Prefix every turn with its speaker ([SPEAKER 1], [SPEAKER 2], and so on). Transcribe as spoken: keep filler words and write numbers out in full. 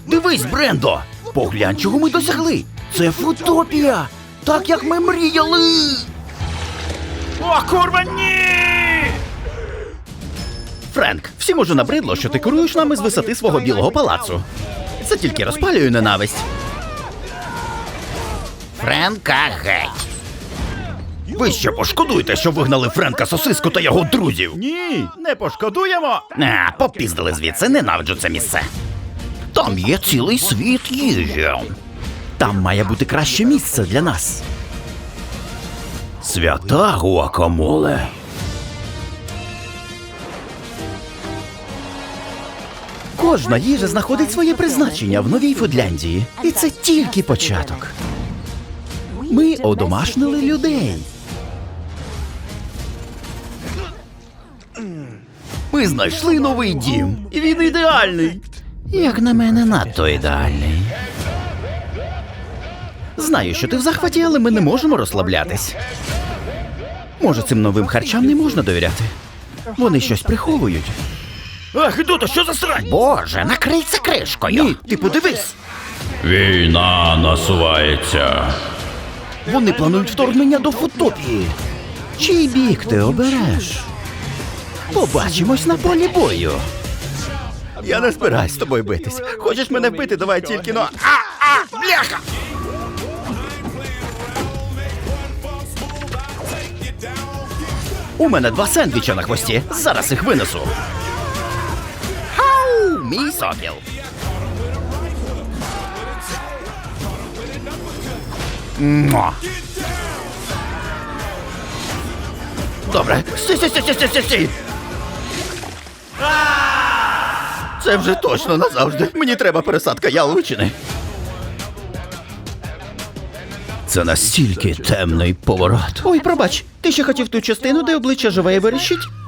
[SPEAKER 1] Дивись, Брендо! Поглянь, чого ми досягли! Це Футопія! Так, як ми мріяли!
[SPEAKER 2] О, курва, ні!
[SPEAKER 1] Френк, всім уже набридло, що ти керуєш нами з висоти свого білого палацу. Це тільки розпалює ненависть. Френка геть! Ви ще пошкодуєте, що вигнали Френка Сосиску та його друзів!
[SPEAKER 2] Ні, не пошкодуємо!
[SPEAKER 1] А, попіздили звідси, ненавиджу це місце. Там є цілий світ їжі. Там має бути краще місце для нас. Свята гуакамоле. Кожна їжа знаходить своє призначення в Новій Фудляндії. І це тільки початок. Ми одомашнили людей. Ми знайшли новий дім. І він ідеальний. Як на мене, надто ідеальний. Знаю, що ти в захваті, але ми не можемо розслаблятись. Може, цим новим харчам не можна довіряти? Вони щось приховують.
[SPEAKER 2] Ах, Гидота, що за срань?
[SPEAKER 1] Боже, накрий це кришкою. Ні, ти подивись.
[SPEAKER 2] Війна насувається.
[SPEAKER 1] Вони планують вторгнення до Футопії. Чий бік ти обереш? Побачимось на полі бою. Я не збираюсь з тобою битись. Хочеш мене вбити, давай тільки, но... А, а, бляха! У мене два сендвіча на хвості. Зараз їх винесу. Хау, мій сокіл. Муа. Добре. Стій, стій, стій, стій, стій, стій. Це вже точно назавжди. Мені треба пересадка яловичини. Це настільки темний поворот. Ой, пробач, ти ще хотів ту частину, де обличчя живе і верещить?